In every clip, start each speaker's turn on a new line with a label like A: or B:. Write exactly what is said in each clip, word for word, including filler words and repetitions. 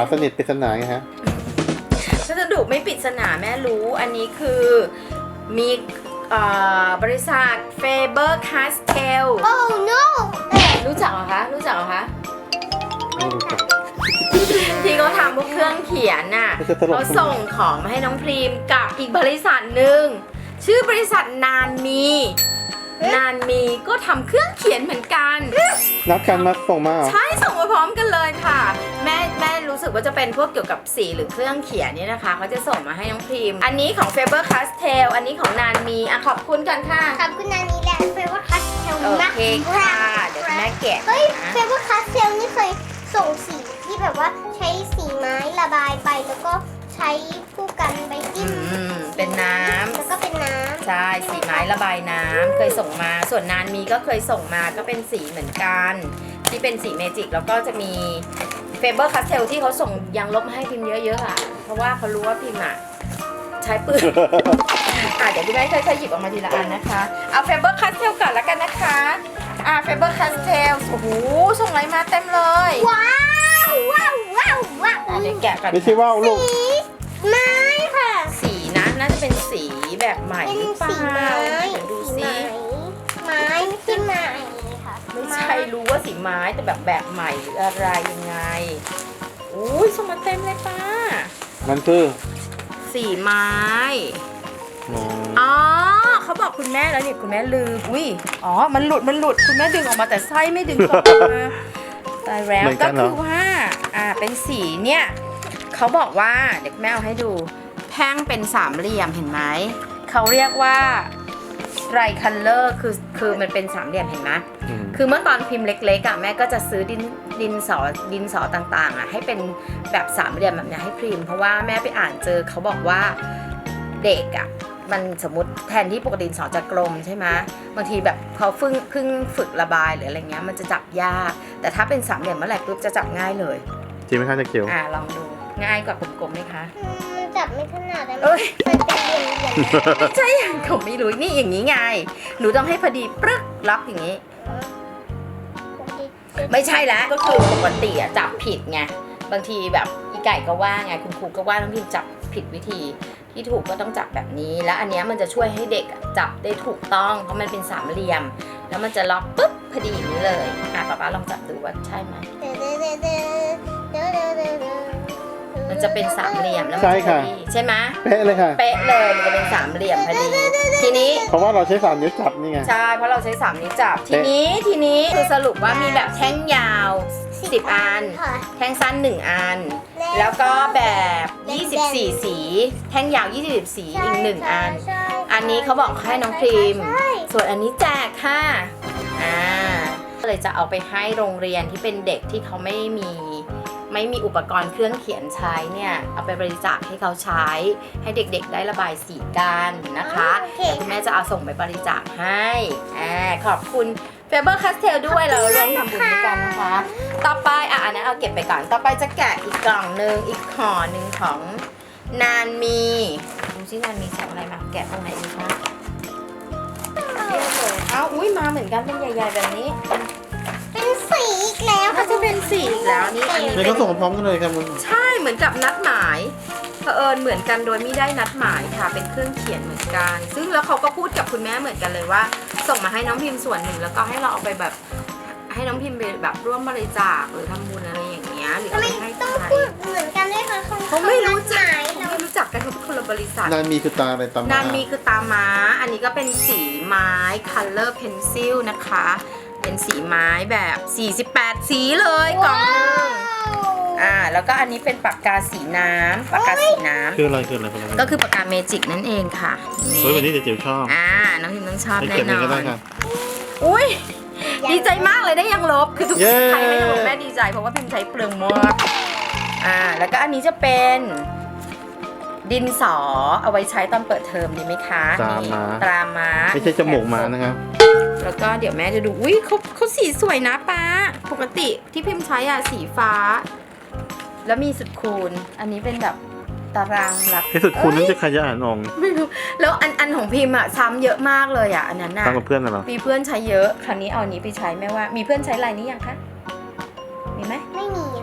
A: สนิทปริศนาไงฮะ
B: พัสดุไม่ปริศนาแม่รู้อันนี้คือมีบริษัท Faber Castell
C: Oh no
B: รู้จักเหรอคะรู้จักเหรอคะ
A: ไม่รู้จัก
B: ที่เขาทำพวกเครื่องเขียนน่ะ
A: ไม่ใช่ตลก
B: เขาส่งของมาให้น้องพรีมกับอีกบริษัทหนึ่งชื่อบริษัทนานมีนานมีก็ทำเครื่องเขียนเหมือนกัน
A: นัดกันมาส่งมาเหรอ
B: ใช่ส่งมาพร้อมกันเลยค่ะแม่แม่รู้สึกว่าจะเป็นพวกเกี่ยวกับสีหรือเครื่องเขียนเนี่ยนะคะเขาจะส่งมาให้น้องพรีมอันนี้ของ Faber Castell อันนี้ของนานมีอ่ะขอบคุณกันค่ะ
C: ขอบคุณนานี้แหละเฟเวอร์คัสเทล
B: โอ
C: มาก
B: เคค่ะเดี๋ยวคุณแม่แกะ
C: เฮ้ย
B: นะ
C: เฟเวอร์คัสเทลนี่เคยส่งสีที่แบบว่าใช้สีไม้ระบายไปแล้วก็ใช้คู่กันไปจิ้ม
B: อืมเป็นน้ำ
C: แล้วก็เป็นน้ำ
B: ใช่สีไม้ระบายน้ำเคยส่งมาส่วนนานมีก็เคยส่งมาก็เป็นสีเหมือนกันที่เป็นสีเมจิกแล้วก็จะมีเฟเบอร์คาสเทลที่เขาส่งยางลบมาให้พิมพ์เยอะๆอ่ะเพราะว่าเขารู้ว่าพิมพ์อ่ะใช้ปืน อ่ะเดี๋ยวพี่แม่ค่อยๆหยิบออกมาทีละอันนะคะเอาเฟเบอร์คาสเทลก่อนแล้วกันนะคะอ่ะเฟเบอร์คาสเทลโอ้โหส่งอะไรมาเต็มเลย
C: ว้าวว้าวว้าวว้าว
B: อ่ะเดี๋ยวแกะกัน
A: ไม่ใช่ว่าวลูก
C: สีไม้ค่ะ
B: สีนะน่าจะเป็นสีแบบใหม่
C: เป็น
B: หรือเป
C: สี
B: ล่า
C: ไม้
B: เดี๋ยวดู
C: สี
B: สิ
C: ไม้ไม้ไม่ใช่ไม้ค่ะ
B: ไม่ใช่รู้ว่าสีไม้แต่แบบแบบใหม่หรืออะไรยังไงอุ้ยส่งมาเต็มเลยป้า
A: มันคือ
B: สีไม้
A: อ๋อ
B: อ๋อเขาบอกคุณแม่แล้วนี่คุณแม่ลืมอุ้ยอ๋อมันหลุดมันหลุดคุณแม่ดึงออกมาแต่ไส้ไม่ดึงออกมาตายแล้วก็คือว่าอ่าเป็นสีเนี่ยเขาบอกว่าเดี๋ยวแม่เอาให้ดูแท่งเป็นสามเหลี่ยมเห็นไหมเขาเรียกว่าไรคัลเลอร์คือคือมันเป็นสามเหลี่ยมเห็นไหม
A: อืม
B: คือเมื่อตอนพิมพ์เล็กๆอ่ะแม่ก็จะซื้อดินดินสอดินสอต่างๆอ่ะให้เป็นแบบสามเหลี่ยมแบบนี้ให้พิมพ์เพราะว่าแม่ไปอ่านเจอเขาบอกว่าเด็กอ่ะมันสมมติแทนที่ปกติดินสอจะกลมใช่ไหมบางทีแบบเขาเพิ่งเพิ่งฝึกระบายหรืออะไรเงี้ยมันจะจับยากแต่ถ้าเป็นสามเหลี่ยมเมื่อไหร่ปุ๊บจะจับง่ายเลย
A: จริงไหมคะจะเกี่ยว
B: อ่าลองดูง่ายกว่ากลมๆไหมคะ
C: อืมมันจับไม่ถนัดอะ
B: เอ้ย
C: มันเป็นเหลี่ยมๆ
B: ไม่ใช่อย่างผมไม่รู้นี่อย่างนี้ไงหนูต้องให้พอดีปรึกรับอย่างนี้ ไม่ใช่แล้วก็คือปกติอะจับผิดไงบางทีแบบอีไก่ก็ว่าไงคุณครูก็ว่าน้องพิมจับผิดวิธีที่ถูกก็ต้องจับแบบนี้ แล้วอันเนี้ยมันจะช่วยให้เด็กอะจับได้ถูกต้องเพราะมันเป็นสามเหลี่ยม แล้วมันจะล็อกปุ๊บพอดีอย่างนี้เลยอ่ะป๊าป๊าลองจับดูว่าใช่ไหมมันจะเป็นสามเหลี่ยมแล้วมัน
A: ใช่
B: จะพ
A: ค่ะ
B: อดีใช่ไหม
A: เป๊ะเลยค่ะ
B: เป๊ะเลยมันจะเป็นสามเหลี่ยมพอดีทีนี้
A: เพราะว่าเราใช้สามนิ้วจับนี่ไง
B: ใช่เพราะเราใช้สามนิ้วจับทีนี้ทีนี้คือสรุปว่ามีแบบแท่งยาวสิบอัน
C: ค่ะ
B: แท่งสั้นหนึ่งอัน แล้วก็แบบยี่สิบสี่สี แท่งยาวยี่สิบสีอีกหนึ่งอัน
C: ใช่
B: อันนี้เขาบอกให้น้องพรีม
C: ใช่
B: ส่วนอันนี้แจกค่ะอ่าก็เลยจะเอาไปให้โรงเรียนที่เป็นเด็กที่เขาไม่มีไม่มีอุปกรณ์เครื่องเขียนใช้เนี่ยเอาไปบริจาคให้เขาใช้ ให้เด็กๆได้ระบายสีกันนะคะ
C: โอเค
B: เดี๋ยวคุณแม่จะเอาส่งไปบริจาคให้อ่าขอบคุณ Faber Castell ด้วยเราร่วมทำบุญด้วยกันนะคะ ต่อไปอ่ะอันนั้นเอาเก็บไปก่อน ต่อไปจะแกะอีกกล่องหนึ่งอีกห่อหนึ่งของนานมีดูซินานมีใส่อะไรมาแกะตรงไหนดีคะเอ้าอุ้ยมาเหมือนกันเป็นใหญ่ๆแบบนี้
C: เป็นสีอีกแล้ว
B: เขา
C: ค่ะ
B: จะเป็นสีอีกแล้วนี่อันนี้
A: เนี่ย
B: เป็
A: ก็
B: น
A: ส่งมาพร้อมกันเลยครับมึง
B: ใช่เหมือนกับนัดหมายเผอิญเหมือนกันโดยไม่ได้นัดหมายค่ะเป็นเครื่องเขียนเหมือนกัน ซึ่งแล้วเขาก็พูดกับคุณแม่เหมือนกันเลยว่า ส่งมาให้น้องพิมพ์ส่วนหนึ่งแล้วก็ให้เราเอาไปแบบให้น้องพิมพ์ไปแบบร่วมบริจาคหรือทำบุญอะไรอย่างเงี้ยหรือ
C: ทำ
B: เอา
C: ไม
B: ไปให้
C: ต้อง
B: ใคร
C: พูดเหมือนกันด้วยคะ
B: เขาไม่รู้จัก
C: หมาย
B: เขา
C: เรา
B: ไม่รู้จักกันเขาเป็นคนละบริษัท
A: นานมีคือตาอะไรตาม
B: นานมีคือตาม้า อันนี้ก็เป็นสีไม้ color pencil นะคะ เป็นสีไม้แบบสี่สิบแปดสีเลยกล่องหนึงอ่าแล้วก็อันนี้เป็นปากกาสีน้ำปากกาสีน้ำ
A: คืออะไรคืออะไรคืออะไร
B: ก็คือปากกาเมจิกนั่นเองค่ะ
A: เฮ้ยวันนี้เจ๋วชอบ
B: อ่าน้องพิมต้องชอบ
A: ให้
B: แน่
A: เก็บ
B: น
A: เอง
B: อ
A: ก็ได้
B: น
A: ค่ะ
B: อุ้ยดีใจมากเลยได้ยังลบคือทุก
A: เย้
B: ใครไม่ได้บอกแม่ดีใจเพราะว่าพิมใช้เปลืองมากอ่าแล้วก็อันนี้จะเป็นดินสอเอาไว้ใช้ตอนเปิดเทอมดีไหมคะ
A: ตรา
B: นี่
A: ม้า
B: ตราม้า
A: ไม่ใช่จมูกม้านะครับ
B: แล้วก็เดี๋ยวแม่จะดูอุ้ยเขาเขาสีสวยนะป้าปกติที่พิมใช้อะสีฟ้า แล้วมีสุดคูณอันนี้เป็นแบบตารางหลัก
A: ที่สุดคุณนั้นจะขยายอ่อง
B: ไม่รู้แล้วอันอันของพิมพ์อะซ้ำเยอะมากเลยอะอันนั้นน่ะ
A: ตามกับเพื่อนน่ะเหรอ
B: มีเพื่อนใช้เยอะคราวนี้เอาอันนี้ไปใช้แม่ว่ามีเพื่อนใช้ลายนี้ยังคะมีไหม
C: ไม่มีอะ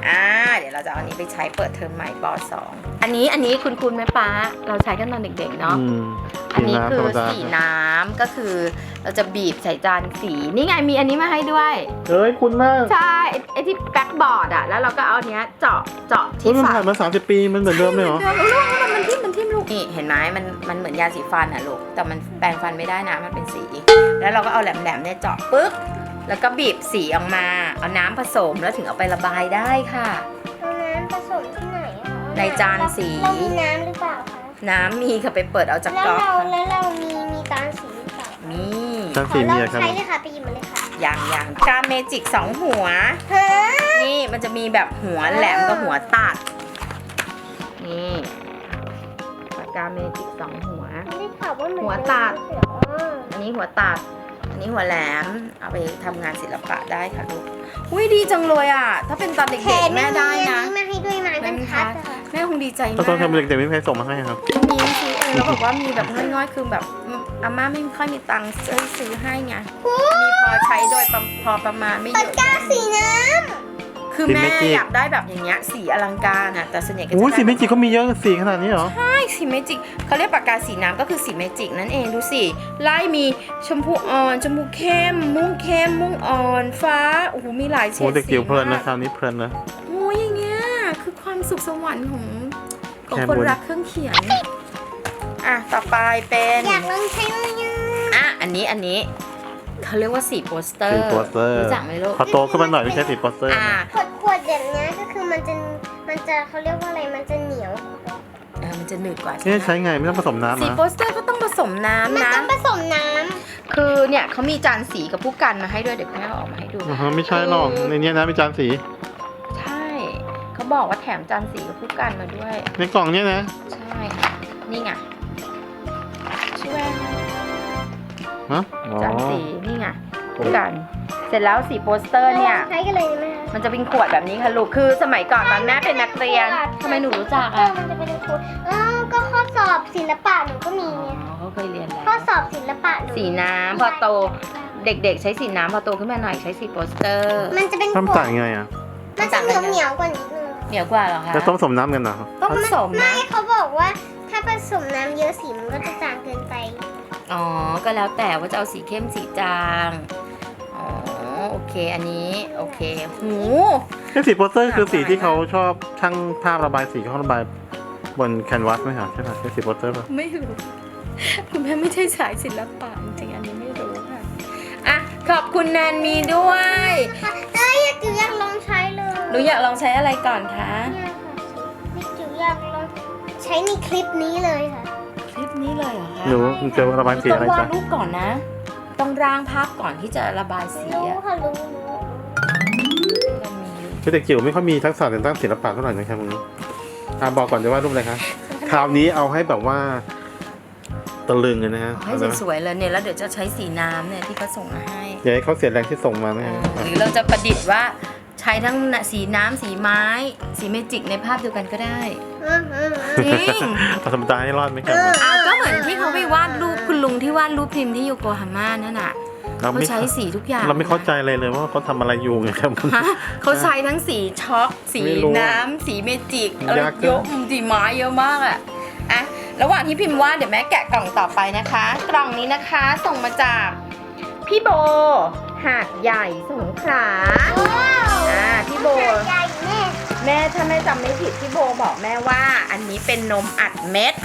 B: อ่าเดี๋ยวเราจะเอาอันนี้ไปใช้เปิดเทอมใหม่ป สอง อันนี้อันนี้คุณคุณแม่ป้าเราใช้กันตอนเด็กๆเนาะ
A: อืม
B: อันนี้คือ
A: ธรรมดา
B: สีน้ำก็คือเราจะบีบใส่จานสีนี่ไงมีอันนี้มาให้ด้วย
A: เอ้ยคุณมาก
B: ใช่ไอ้ไอ้ที่แบ็กบอร์ดอะแล้วเราก็เอาอันเนี้ยเจาะเจาะ
A: เฮ้ย
B: ที่
A: มัน
B: ฝา
A: ผ่านมาสามสิบปีมันเหมือนเดิมเลยเหรอ
B: เดิมลูกมันทิ่มมันทิ่มลูกนี่เห็นไหมมันมันเหมือนยาสีฟันอะลูกแต่มันแปรงฟันไม่ได้นะมันเป็นสี แล้วเราก็เอาแหลมๆเนี่ยเจาะปึ๊กแล้วก็บีบสีออกมาเอาน้ำผสมแล้วถึงเอาไประบายได้ค่ะ
C: เอาน้ำผสมที่ไหนอะคะ
B: ในจานสี
C: เรามีน้ำหรือเปล่าคะ
B: น้ำมีค่ะไปเปิดเอาจาก
C: แล้ว
B: ก๊อก
C: เรา
B: ค่ะ
C: แล้วเรามีมีจานสีหรือเปล่า
B: มี
A: จาน
C: ข
A: สี
C: อ
A: มี
C: เรา
A: อะครับ
C: ใช้เลยค่ะไปหยิบมาเลยค่ะ
B: อย่างอย่างการเมจิกสองหัว
C: ฮะ
B: นี่มันจะมีแบบหัวแหลมกับหัวตัด นี่ปากกาเมจิกสองหัว
C: ไม่ได้ข่าวว่าเหมือน
B: หัวตัด
C: เดิมไม่ใช่เหรอ
B: อันนี้หัวตัด อันนี้หัวแหลม เอาไปทำงานศิลปะได้ค่ะลูกอุ้ยดีจังเลยอ่ะ ถ้าเป็นตอนเด็
C: แข
B: ก
C: น
B: ๆแม่ได้นะ
C: แม่ให้ด้วยไม้บรรทัดอะค่ะ
B: แม่คงดีใจ
A: ก็
B: มาก
A: ตอนทำเด็กๆไม่มีใครส่งมาให้ครับ
B: มีซื้อเองแล้วบอกว่ามีแบบง่อยๆคือแบบอาม่าไม่ค่อยมีตังค์ซื้อซื้อให้ไง มีพอใช้โดยประพอประมาณไม่เย
C: ปาก
B: อะ
C: กาสีน้
B: คือแม่อยากได้แบบอย่างเงี้ยสีอลังการอ่ะแต่ส่วนใหญ่ก็จะ
A: อุ้ย
B: ได้
A: สีเมจิกก็มีเยอะสีขนาดนี้เหรอ
B: ใช่สีเมจิกเขาเรียกปากกาสีน้ำก็คือสีเมจิกนั่นเองดูสิไล่มีชมพูอ่อนชมพูเข้ม ม่วงเข้มม่วงอ่อนฟ้าโอ้โหมีหลายเฉ
A: โอ้
B: ด
A: เด็ก
B: สี
A: จิ๋วเพลินนะ
B: มาก
A: คราวนี้เพลินนะ
B: โอ้ยอย่างเงี้ยคือความสุขสวรรค์ของของ
A: แค่
B: คน
A: บน
B: รักเครื่องเขียนอ่ะต่อไปเป็น
C: ำอยากลองใช้เลยอะ
B: อ่ะอันนี้อันนี้เขาเรียกว่าสีโปสเตอร์
A: สีโปสเตอร์
B: รู้จักไหมลูก
A: พอโตขึ้นมาหน่อยไม่ใช่สีโปสเตอร์
B: อ่า
A: นะ
C: ขวดขวดแบบเนี้ยก็คือมันจะมันจะเขาเรียกว่าอะไรมันจะเหนียว
B: เออมันจะหนืดกว่าใช่
A: นี่
B: ไหม
A: ใช้ไงไม่ต้องผสมน้ำ
B: สี
A: นะ
B: โปสเตอร์ก็ต้องผสม
C: มัน
B: น้ำนะ
C: ต้องผสมน้
B: คือเนี่ยเขามีจานสีกับผู้กันมาให้ด้วยเดี๋ยวแม่เอาออกมาให้ดู
A: อ๋อไม่ใช่หรอกในนี้นะมีจานสี
B: ใช่เขาบอกว่าแถมจานสีกับผู้กันมาด้วย
A: ในกล่องเนี้ยนะ
B: ใช่ค่ะนี่ไงช่วย
A: ฮะอ๋อ
B: จานสีนี่ไงผู้กัน เสร็จแล้วสีโปสเตอร์เนี่ย
C: ำใช้กันเลยนะแม่
B: มันจะเป็นขวดแบบนี้ค่ะลูกคือสมัยก่อนตอนแม่เป็นนักเรียนทำไมหนูรู้จัก
C: เออ
B: อ่ะ
C: มันจะเป็นขวดเออก็ข้อสอบศิลปะหนูก็มี
B: อ๋
C: ไง
B: อเขาเคยเรียนแล้ว
C: ข้อสอบศิลปะหนู
B: สีน้ำพอโตเด็กๆ ใช้สีน้ำพอโตขึ้นมาหน่อยใช้สีโปสเตอร์
C: มันจะเป็นข
A: ทำ
C: วด
A: ต่างยังไงอ่ะ
C: มันจะเหนียวเหนียวๆกว่านิดนึง
B: เหนียวกว่าเหรอคะ
A: แล้วต้องผสมน้ำกันเหรอ
B: ต้องผสม
C: ไม่
B: นะ
C: เขาบอกว่าถ้าผสมน้ำเยอะสีมันก็จะจางเกินไป
B: อ๋อ ก็แล้วแต่ว่าจะเอาสีเข้มสีจาง อ๋อ โอเค อันนี้ โอเค หู
A: ไอ้สีโปสเตอร์คือสีที่เขาชอบช่างภาพระบายสีเขาระบายบนแคนวาสไหมคะใช่ป่ะใช่สีโปสเตอร์ป่ะ
B: ไม่รู้ คุณแม่ไม่ใช่สายศิลปะจริงๆ อันนี้ไม่รู้ค่ะ อ่ะ ขอบคุณแนนมีด้วย
C: เอ้ยอยากจิ๋วอยากลองใช้เลย
B: หนูอยากลองใช้อะไรก่อนคะ
C: เนี่ยค่ะนี่จิ๋วอยากลองใช้ในคลิปนี้เลยค่ะ
B: คลิปนี้เลยเหรอคะ
A: หนูจะระบายสี
B: ต้อ
A: อะไร
B: งวา
A: จ๊ะ
B: ดรูปก่อนนะ ต้องร่างภาพก่อนที่จะระบายสี
C: รู้
B: อะ
C: ค่ะรู้รู้
B: เรามีอยู่
A: คือเด็กจิ๋วไม่ค่อยมีทักษะในด้านศิลปะเท่าไหร่นะครับมึงอ่ะบอกก่อนจะวาดรูปอะไรคะคราวนี้เอาให้แบบว่าตะลึงเลยนะฮะ
B: ให้สวยๆเลยเนี่ยแล้วเดี๋ยวจะใช้สีน้ำเนี่ยที่เขาส่งมาให้
A: อย่าให้เขาเสียแรงที่ส่งมานะ
B: เอ
A: ฮะ
B: อหรือเราจะประดิษฐ์ว่าใช้ทั้งสีน้ำสีไม้ สีเมจิกในภาพเดียวกันก็ได้
C: อืมอืมอืม
B: จริง
A: เอาธรรมดาให้รอดไหมครับ
B: อ่ะก็เหมือนที่เขาไปวาดรูปคุณลุงที่วาดรูปพิมพ์ที่โยโกฮาม่านั่นน่ะ
A: เรา
B: เขา
A: ไม่
B: ใช้สีทุกอย่าง
A: เราไม่เข้าใจเลยเลยว่าเขาทำอะไรอยู่ไงครับ
B: ฮะเขาใช้ทั้งสีช็อกสี
A: ไม่รู้
B: น้ำสีเมจิกอะไร
A: ยากเกิน
B: เยอะสีไม้เยอะมากอ่ะอ่ะระหว่างที่พิมพ์วาดเดี๋ยวแม่แกะกล่องต่อไปนะคะ กล่องนี้นะคะส่งมาจากพี่โบหาดใหญ่สงขลา
C: ว้าว
B: อ่าพี่โบ
C: ใหญ่แม่
B: แม่ถ้าแม่จำไม่ผิดพี่โบบอกแม่ว่า อันนี้เป็นนมอัดเม็ด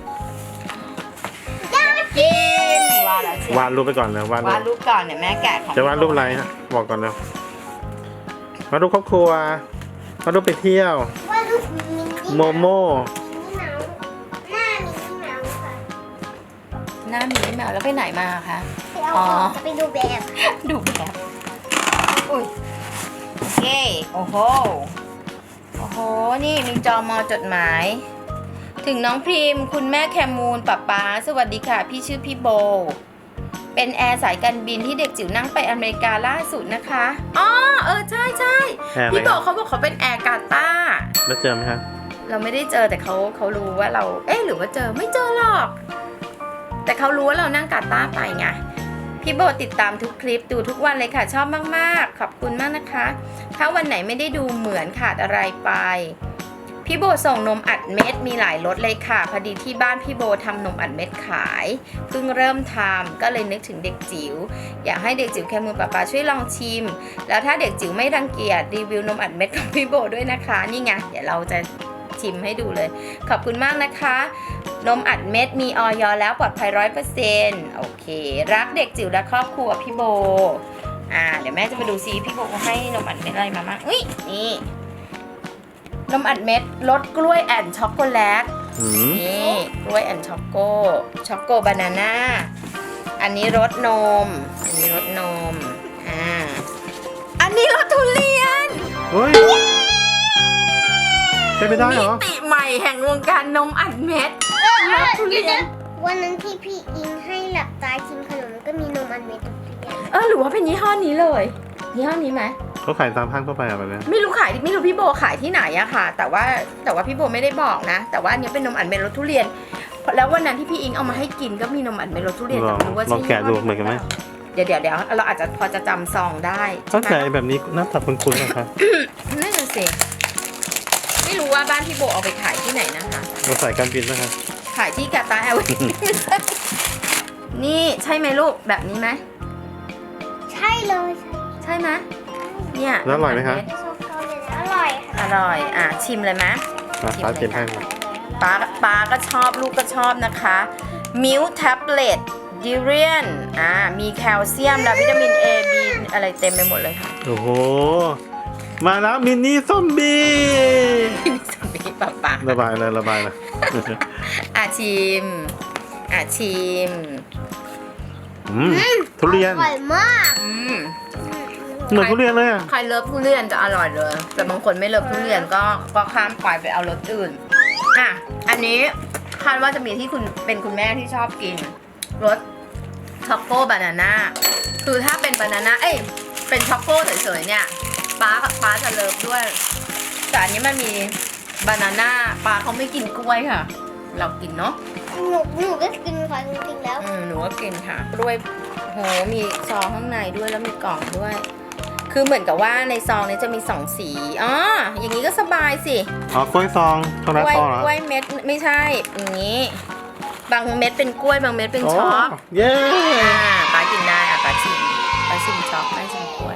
B: อยากกินวาดแล้วเชียว
A: วาดรูปไปก่อนเลยวาดรู
B: วาด
A: ป
B: รูปก่อนเนี่ยแม่แกะของ
A: จะวาดรูปอะไรฮะบอกก่อนเลย วาดรูปครอบครัว วาดรูปไปเที่ยว
C: ว่าลูกมินนี่
A: โมโม่
C: มินนี่เมาส์หน้ามินนี่เมาส์ค่ะ
B: หน้าหมีแมวแล้วไปไหนมาคะ
C: ไปเอา
B: อ๋
C: อ
B: อ
C: อกจะไปดูแบบ
B: ดูแบบอุ้ยโอเคโอ้โห โอ้โห นี่มีจอมอจดหมาย ถึงน้องพริมคุณแม่แคมูลป๊าป๊าสวัสดีค่ะ พี่ชื่อพี่โบ เป็นแอร์สายการบินที่เด็กจิ๋วนั่งไปอเมริกาล่าสุดนะคะ อ๋อ เออ ใช่ใช่
A: แอร์อะไร
B: พี่โบ
A: ครับ
B: เขาบอกเขาเป็นแอร์กาตาร์
A: แล้วเจอไหมครับ
B: เราไม่ได้เจอแต่เขาเขารู้ว่าเรา เอ๊ะหรือว่าเจอไม่เจอหรอก แต่เขารู้ว่าเรานั่งกาตาร์ไปไงพี่โบติดตามทุกคลิปดูทุกวันเลยค่ะชอบมากๆขอบคุณมากนะคะถ้าวันไหนไม่ได้ดูเหมือนขาดอะไรไปพี่โบส่งนมอัดเม็ดมีหลายรสเลยค่ะพอดีที่บ้านพี่โบทำนมอัดเม็ดขายเพิ่งเริ่มทำก็เลยนึกถึงเด็กจิ๋วอยากให้เด็กจิ๋วแคมูนป๊าป๊าช่วยลองชิมแล้วถ้าเด็กจิ๋วไม่รังเกียจรีวิวนมอัดเม็ดของพี่โบด้วยนะคะนี่ไงเดี๋ยวเราจะชิมให้ดูเลยขอบคุณมากนะคะนมอัดเม็ดมีออยแล้วปลอดภัย ร้อยเปอร์เซ็นต์ โอเครักเด็กจิ๋วและครอบครัวพี่โบอ่าเดี๋ยวแม่จะไปดูซิพี่โบให้นมอัดเม็ดอะไรมาบ้างอุ้ยนี่นมอัดเม็ดรสกล้วยแอนด์ช็อกโกแลต
A: อืม
B: นี่กล้วยแอนด์ช็อกโกช็อกโกบานาน่าอันนี้รสนมอันนี้รสนมอ่าอันนี้รสทุเรียน
A: เฮ้ยเป็นไปได้เหรอ
B: มิติใหม่แห่งวงการนมอัดเม็ดรสทุเรียน
C: วันนั้นที่พี่อิงให้หลับตาชิมขนมก็มีนมอันเม็ดทุเรียน
B: เออหรือว่าเป็นยี่ห้อนี้เลยยี่ห้อนี้ไหม
A: เขาขายตามห้างทั่วไปอะแบบเนี้ย
B: ไม่รู้ขายไม่รู้พี่โบขายที่ไหนอะค่ะ แต่ว่าแต่ว่าพี่โบไม่ได้บอกนะ แต่ว่าอันนี้เป็นนมอัดเม็ดรสทุเรียน แล้ววันนั้นที่พี่อิงเอามาให้กินก็มีนมอัดเม็ดรสทุเรียน
A: ล
B: แต่
A: อง
B: ไม่รู้ว่า
A: ล
B: ใช่
A: องแกะดูเหมือนกันไหม
B: เดี๋ยวเดี๋ยวเดี๋ยวเราอาจจะพอจะจำซองได้
A: ถ้า
B: ใช่ไหม
A: แกะแบบนี้หน้าตาคุ้นๆนะครับ
B: นั่นน่ะสิไม่รู้ว่าบ้านพี่โบเอาไปขายที่ไหนนะคะ
A: เราใส่การบินนะครับ
B: ขายที่กาตาร์แอร์เวย์ นี่ใช่ไหมลูกแบบนี้ไหม
C: ใช่เลย
B: ใช่ไหมเนี่ย
A: แล้วอร่อยไหมคะ
C: ใช่โซฟาเลยนะอร่อยค่ะ
B: อร่อยอ่ะชิมเลยไหม
A: มาฟ้าเตรียมให้มา
B: ป้าป้าก็ชอบลูกก็ชอบนะคะมิลแท็บเล็ตดิเรียนอ่ามีแคลเซียมและวิตามิน A B อะไรเต็มไปหมดเลยค่ะ
A: โอ้โห มาแล้วมินนี่ซอมบี้
B: นี่สมบีป้าป้า
A: ระบายเลยระบายเลย
B: อ่ะชิมอ่ะชิม
A: อืมทุเรียน
C: อร่อยมาก
B: อืม
A: เหมือนทุเรียนเลยอะ
B: ใครเลิฟทุเรียนจะอร่อยเลย แต่บางคนไม่เลิฟทุเรียนก็ก็ข้ามไปไปเอารสอื่น อ่ะ อันนี้คาดว่าจะมีที่คุณเป็นคุณแม่ที่ชอบกินรสช็อกโกบานาน่า คือถ้าเป็นบานาน่า เอ้ย เป็นช็อกโกเฉยๆเนี่ยป้ากับป้าจะเลิฟด้วย แต่อันนี้มันมีบานาน่าป้าเขาไม่กินกล้วยค่ะ เรากินเนาะ
C: หนูหนูก็กินค่ะจริงๆแล้ว
B: อืมหนูก็กินค่ะกล้วยโหมีซองข้างในด้วยแล้วมีกล่องด้วย คือเหมือนกับว่าในซองนี้จะมีสองสีอ๋ออย่างนี้ก็สบายสิ
A: อ๋อกล้วยซองช็อกโก
B: ก
A: แลต
B: ล้วย
A: ซองเหรอก
B: ล้วยเม็ดไม่ใช่อย่างนี้ บางเม็ดเป็นกล้วยบางเม็ดเป็นช็อก
A: โเย้
B: อ่าป้ากินได้อ่ะป้าชิมป้าชิมช็อกป้าชิมกล้วย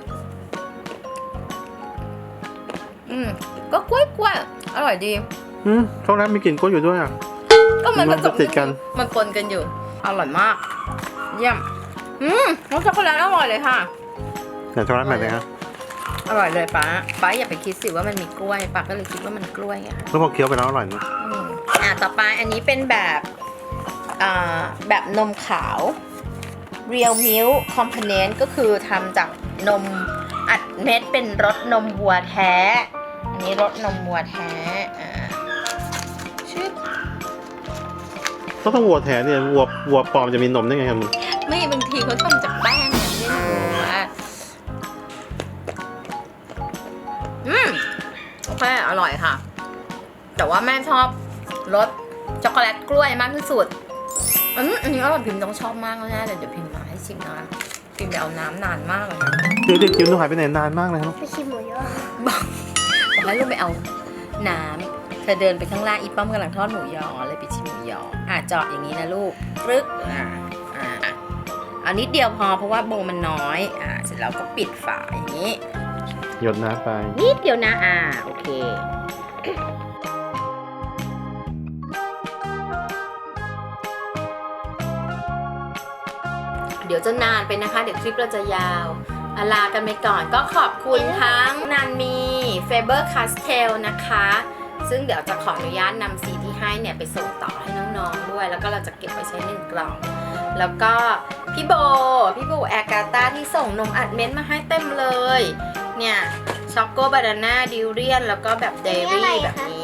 B: อืมก็กล้วยกล้วยอร่อยดี
A: อืมช็อกโกแลตมีกลิ่นกล้วยอยู่ด้วยอะ
B: ก็มันผ
A: มัน
B: ส
A: จะ
B: ม
A: ติดกัน
B: มันปนกันอยู่อร่อยมากเยี่ยมอืมรสช็อกโกแลตอร่อยเลยค่ะ
A: แต่ช็อกโกแลตแบบไหนฮะ
B: อร่อยเลยป้าป้าอย่าไปคิดสิว่ามันมีกล้วยป้าก็เลยคิดว่ามันกล้วยอะค่ะ
A: แล้วพอเคี้ยวไปแล้วอร่อยนะ
B: อืมอ่ะต่อไปอันนี้เป็นแบบอ่าแบบนมขาว Real Milk Component ก็คือทำจากนมอัดเม็ดเป็นรสนมวัวแท้ อันนี้รสนมวัวแท้อ่าชื่อ
A: ก็ต้องวัวแท้เนี่ยวัววัวปลอมจะมีนมได้ไงครับมึง
B: ไม่บางทีเขาทำจากแป้งเนี่ยไม่รู้อ่ะอืมโอเคอร่อยค่ะ แต่ว่าแม่ชอบรสช็อกโกแลตกล้วยมากที่สุดอืมอันนี้อร่อยพิมพ์ต้องชอบมากแน่เลยเดี๋ยวพิมพ์มาให้ชิมนะพิมพ์ไปเอาน้ำนานมากเลยนะ
A: เดี๋ยวเด็กจิ๋วหนูหายไปไหนนานมากเลยครับ
C: ไปชิมหมูยอ
B: บอกบอกให้ลูกไปเอาน้ำเธอเดินไปข้างล่างอีป้อมกำลังทอดหมูยอเลยไปชิมหมูยออ่ะเจาะอย่างนี้นะลูกปรึกอ่าอ่าเอานิดเดียวพอเพราะว่าโบมันน้อยอ่าเสร็จแล้วก็ปิดฝาอย่างนี้
A: หยดน้ำไป
B: นิดเดียวนะอ่าโอเคเดี๋ยวจะนานไปนะคะเดี๋ยวคลิปเราจะยาวอาลากันไปก่อนก็ขอบคุณทั้งนันมีเฟเบอร์คาสเทลนะคะซึ่งเดี๋ยวจะขออนุญาตนำสีที่ให้เนี่ยไปส่งต่อให้น้องๆด้วยแล้วก็เราจะเก็บไว้ใช้หนึ่งกล่องแล้วก็พี่โบพี่โบแอร์กาตาที่ส่งนมอัดเม็ดมาให้เต็มเลยเนี่ยช็อกโกบานาน่าดิวเรียนแล้วก็แบบเดรี่แบบนี้